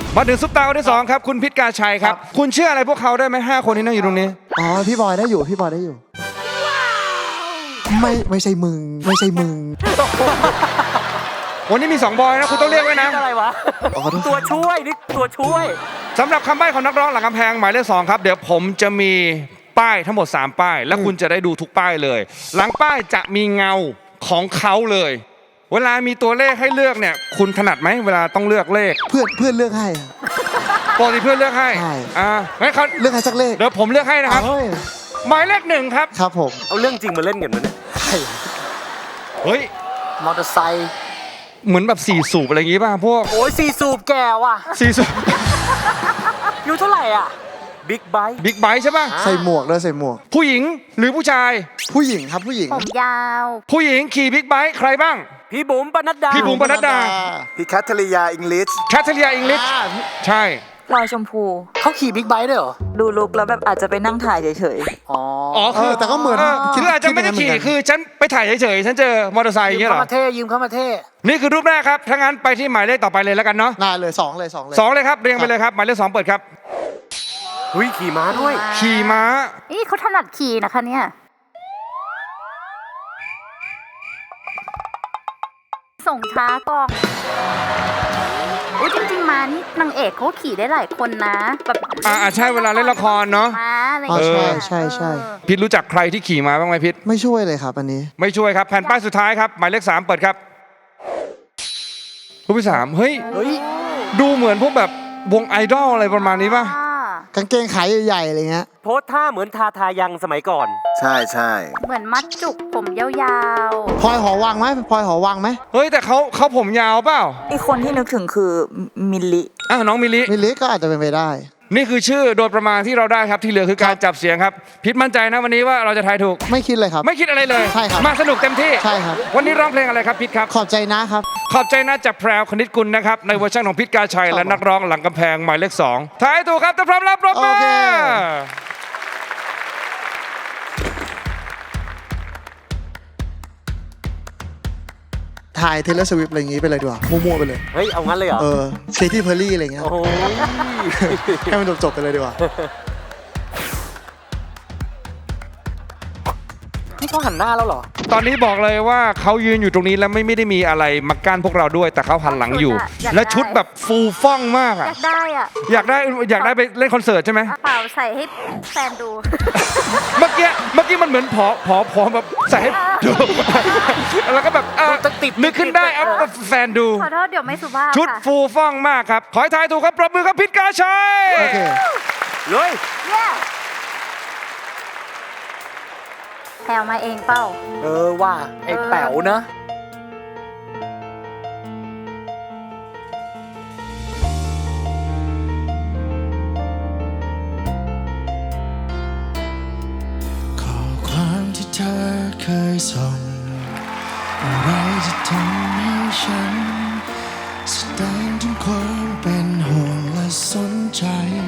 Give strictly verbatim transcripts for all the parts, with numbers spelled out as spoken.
มาถึงซุปตาคนที่สองครับคุณพิษกาชัยครับคุณเชื่ออะไรพวกเขาได้ไหมห้าคนที่นั่งอยู่ตรงนี้อ๋อพี่บอยได้อยู่พี่บอยได้อยู่ไม่ไม่ใช่มึงไม่ใช่มึงวันนี้มีสองบอยนะคุณต้องเรียกไว้นะอะไรวะตัวช่วยนี่ตัวช่วยสำหรับคำใบ้ของนักร้องหลังกำแพงหมายเลขสองครับเดี๋ยวผมจะมีป้ายทั้งหมดสามป้ายและคุณจะได้ดูทุกป้ายเลยหลังป้ายจะมีเงาของเขาเลยเวลามีตัวเลขให้เลือกเนี่ยคุณถนัดไหมเวลาต้องเลือกเลขเพื่อนเพื่อนเลือกให้ปกติเพื่อนเลือกให้อ่างั้นเขาเลือกให้สักเลขเดี๋ยวผมเลือกให้นะครับหมายเลขหนึ่งครับครับผมเอาเรื่องจริงมาเล่นกันมั้ยเนี่ยเฮ้ยมอเตอร์ไซค์เหมือนแบบสี่สูบอะไรอย่างงี้ป่ะพวกโอ้ยสี่สูบแก่ว่ะสี่สูบอยู่เท่าไหร่อ่ะบิ๊กไบค์บิ๊กไบค์ใช่ป่ะใส่หมวกด้วยใส่หมวกผู้หญิงหรือผู้ชายผู้หญิงครับผู้หญิงผมยาวผู้หญิงขี่บิ๊กไบค์ใครบ้างพี่บุ๋มปนัดดาพี่บุ๋มปนัดดาพี่แคทเธอรียาอิงลิชแคทเธอรียาอิงลิชใช่ลอยชมพูเขาขี่บิ๊กไบค์ด้วยเหรอดูลุกแล้วแบบอาจจะไปนั่งถ่ายเฉยๆอ๋ออ๋อคือแต่ก็เหมือนคืออาจจะไม่ได้ขี่คือฉันไปถ่ายเฉยๆฉันเจอมอเตอร์ไซค์อย่างเงี้ยเหรอยืมเข้ามาเท่ยืมเข้ามาเท่นี่คือรูปแรกครับถ้างั้นไปที่หมายเลขต่อไปเลยแล้วกันเนาะน่าเลยสองเลยสองเลยสองเลยครับเรียงไปเลยครับหมายเลขสองเปิดครับหุ้ยขี่ม้าด้วยขี่ม้านี่เขาถนัดขี่นะคะเนี่ยส่งช้ากองอุ้ยจริงๆมานี่นางเอกเขาขี่ได้หลายคนนะแบบอ่าใช่เวลาเล่นละครเนาะอ๋อใช่ใช่ใช่พิษรู้จักใครที่ขี่ม้าบ้างไหมพิษไม่ช่วยเลยครับอันนี้ไม่ช่วยครับแผ่นป้ายสุดท้ายครับหมายเลขสามเปิดครับรูปที่สามเฮ้ยดูเหมือนพวกแบบวงไอดอลอะไรประมาณนี้ป่ะกางเกงขายใหญ่ๆอะไรเงี้ยโพสท่าเหมือนทาทายังสมัยก่อนใช่ใช่เหมือนมัดจุกผมยาวๆพลอยหอวังไหมพลอยหอวังไหมเฮ้ยแต่เขาเขาผมยาวเปล่าอีกคนที่นึกถึงคือมิลลิอ้าวน้องมิลลิมิลลิก็อาจจะเป็นไปได้นี่คือชื่อโดยประมาณที่เราได้ครับที่เหลือคือการจับเสียงครับพิษมั่นใจนะวันนี้ว่าเราจะทายถูกไม่คิดเลยครับไม่คิดอะไรเลยใช่ครับมาสนุกเต็มที่ใช่ครับวันนี้ร้องเพลงอะไรครับพิษครับขอบใจนะครับขอบใจนะจากแพรวคณิตกุลนะครับในเวอร์ชันของพิษกาชัยและนักร้องหลังกำแพงหมายเลขสองทายถูกครับถ้าพร้อมแล้วปรบมือถ่ายเทเลสวิฟอะไรอย่างงี้ไปเลยดีกว่ามั่วๆไปเลยเฮ้ยเอางั้นเลยเหรอเออเคที่เพอร์รี่อะไรเงี้ยโอ้ยให้มันจบๆไปเลยดีกว่านี่เขาหันหน้าแล้วเหรอตอนนี้บอกเลยว่าเขายืนอยู่ตรงนี้แล้วไม่ไม่ได้มีอะไรมากั้นพวกเราด้วยแต่เขาหันหลังอยู่และชุดแบบฟูฟ่องมากอ่ะอยากได้อ่ะอยากได้อยากได้ไปเล่นคอนเสิร์ตใช่ไหมเปล่าใส่ให้แฟนดูเมื่อกี้เมื่อกี้มันเหมือนผอผอผอแบบใส่ให้ดูแล้วก็แบบติดนึกขึ้นได้เอาแฟนดูขอโทษเดี๋ยวไม่สุภาพชุดฟูฟ่องมากครับขอให้ทายถูกครับปรบมือครับพิษกาชัยโอเคเลยแถวมาเองเป้าเออว่าไอ้แป๋วนะข้อความที่เธอเคยส่งอะไรจะทำให้ฉันแสดงถึงความเป็นห่วงและสนใจ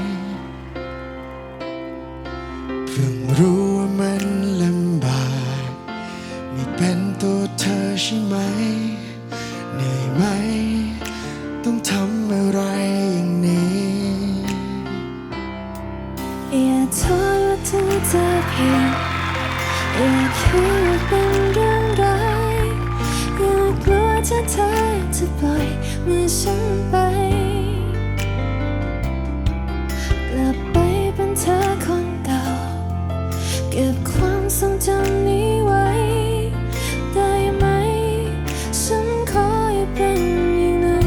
เพิ่งรู้ว่ามันลำบากไม่เป็นตัวเธอใช่ไหมเหนื่อยไหมต้องทำอะไรอย่างนี้อย่าโทษว่าถึงจะผิดอย่าคิดว่าเป็นเรื่องร้ายอย่ากลัวถ้าเธอจะปล่อยมือฉันไปกลับไปเป็นเธอคนเก่าเก็บความทรงจำนี้ไว้ได้ไหมฉันขออย่าเป็นอย่างนั้น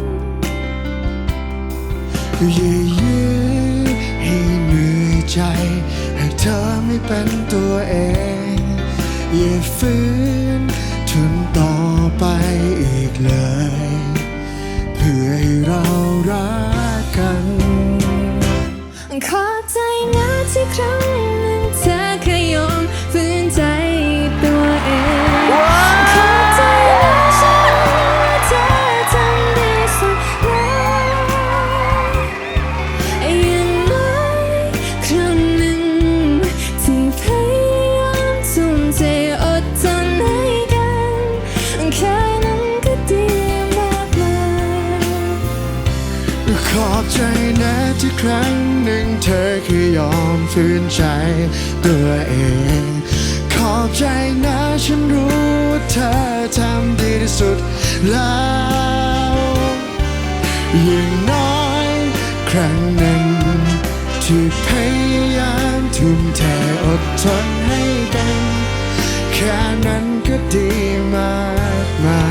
อย่ายื้อให้เหนื่อยใจหากเธอไม่เป็นตัวเองอย่าฝืนทนต่อไปอีกเลยเพื่อให้เรารักกันขอใจนะที่ครั้งหนึ่งเธอเคยยอมฝืนใจตัวเองขอใจนะฉันรู้ว่าเธอทำดีสุดแล้วอย่างน้อยครั้งหนึ่งที่พยายามทุ่มเทอดทนให้กันแค่นั้นก็ดีมากมายขอบใจนะที่ครั้งหนึ่งเธอคืออยอมฝืนใจตัวเอง ขอบใจนะฉันรู้ว่าเธอทำดีที่สุดแล้วอย่างน้อยครั้งหนึ่งที่พยายามทุ่มเทอดทนให้กันแค่นั้นก็ดีมากมาย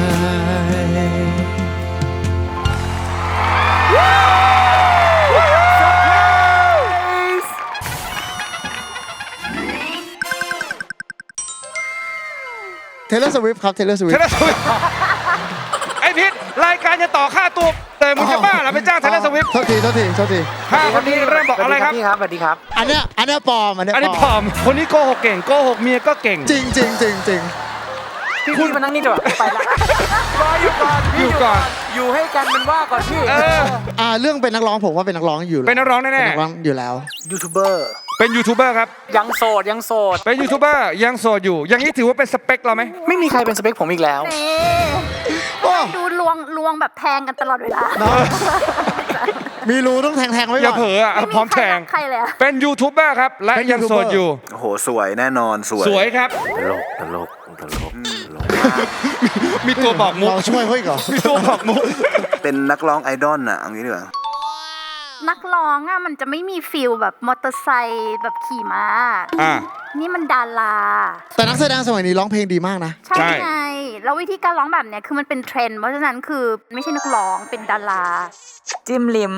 เทเลอร์สวิฟครับเทเลอร์สวิเทฟเลสวิฟไอพิษรายการจะต่อค่าตัวแต่มึงจะบ้าเหรอไปจ้างเทเลสวิฟโทษทีโทษทีโทษทีห้าคนนี้เริ่มบอกอะไรครับพี่ครับสวัสดีครับอันเนี้ยอันเนี้ยปลอมอันเนี้ยอันนี้ปผลออมมคนนี้โกหกเก่งโกหกเมียก็เก่งจริงจริงจริงจริงพี่พี่มานั่งนี่ดีกว่าไปละรออยู่ก่อนพี่อยู่ก่อนอยู่ให้กันเป็นว่าก่อนพี่เอออ่าเรื่องเป็นนักร้องผมว่าเป็นนักร้องอยู่แล้วเป็นนักร้องแน่ๆเป็นนักร้องอยู่แล้วยูทูบเบอร์เป็นยูทูบเบอร์ครับยังโสดยังโสดเป็นยูทูบเบอร์ยังโสดอยู่ อย่างนี้ถือว่าเป็นสเปคเราไหมไม่มีใครเป็นสเปคผมอีกแล้วนี่ดูลวงลวงแบบแทงกันตลอดเวลามีรูต้องแทงแทงๆไว้อย่าก่อนเผลออ่ะไม่มีพร้อมแทงใครเลยอะเป็นยูทูบเบอร์ครับ และเป็นยังโสด YouTuber อยู่โอ้โห สวยแน่นอนสวยสวยครับตลกตลกตลกมีตัวบอกมุกเราช่วยเขาอีกเหรอมีตัวบอกมุกเป็นนักร้องไอดอลน่ะเอางี้ดีกว่านักร้องอ่ะมันจะไม่มีฟิลแบบมอเตอร์ไซค์แบบขี่ม้าอ่านี่มันดาราแต่นักแสดงสมัยนี้ร้องเพลงดีมากนะใช่ใช่ไง แล้ววิธีการร้องแบบเนี้ยคือมันเป็นเทรนด์ เพราะฉะนั้นคือไม่ใช่นักร้องเป็นดาราจิ้มลิ้ม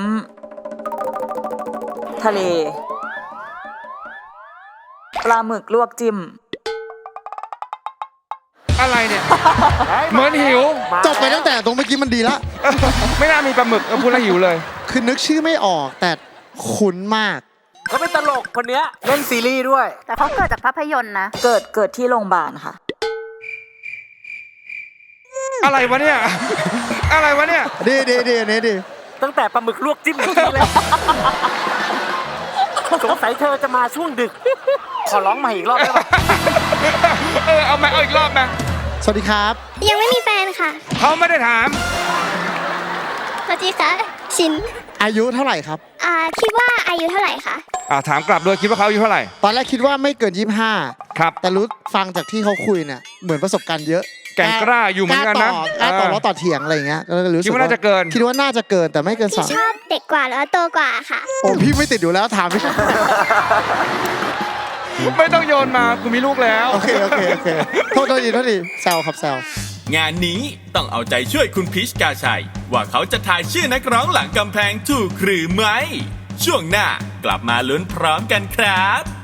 ทะเล ปลาหมึกลวกจิ้มอะไรเนี่ย เหมือนหิวจบไปตั้งแต่ตรงเมื่อกี้มันดีละไม่น่ามีปลาหมึกเออพูดแล้วหิวเลยคือนึกชื่อไม่ออกแต่คุ้นมากเขาเป็นตลกคนเนี้ยเล่นซีรีส์ด้วยแต่เขาเกิดจากภาพยนตร์นะเกิดเกิดที่โรงพยาบาลค่ะอะไรวะเนี่ย อะไรวะเนี่ยดีดีดีอันนี้ดีตั้งแต่ปลาหมึกลวกจิ้มเมื่อกี้เลย สงสัยเธอจะมาช่วงดึก ขอร้องใหม่อีกรอบได้ปะเออ เอามาเอาอีกรอบมาสวัสดีครับยังไม่มีแฟนค่ะเขาไม่ได้ถามสวัสดีค่ะ ชินอายุเท่าไหร่ครับอ่า คิดว่าอายุเท่าไหร่คะอ่าถามกลับด้วยคิดว่าเขาอายุเท่าไหร่ตอนแรกคิดว่าไม่เกินยี่สิบห้าครับแต่รู้ฟังจากที่เขาคุยเนี่ยเหมือนประสบการณ์เยอะแก่งกล้าอยู่เหมือนกันนะกล้าต่อกล้าต่อเออแล้วต่อเถียงอะไรอย่างเงี้ยก็เลยรู้สึกคิดว่าน่าจะเกินคิดว่าน่าจะเกินแต่ไม่เกินพี่สามชอบเด็กกว่าหรือว่าโตกว่าค่ะโอ้พี่ไม่ติดอยู่แล้วถามพี่ไม่ต้องโยนมากูมีลูกแล้วโอเคโอเคโอเคโทษโทษทีโทษทีแซวครับแซวงานนี้ต้องเอาใจช่วยคุณพีชกาชัย ว่าเขาจะทายชื่อนักร้องหลังกำแพงถูกหรือไม่ ช่วงหน้ากลับมาลุ้นพร้อมกันครับ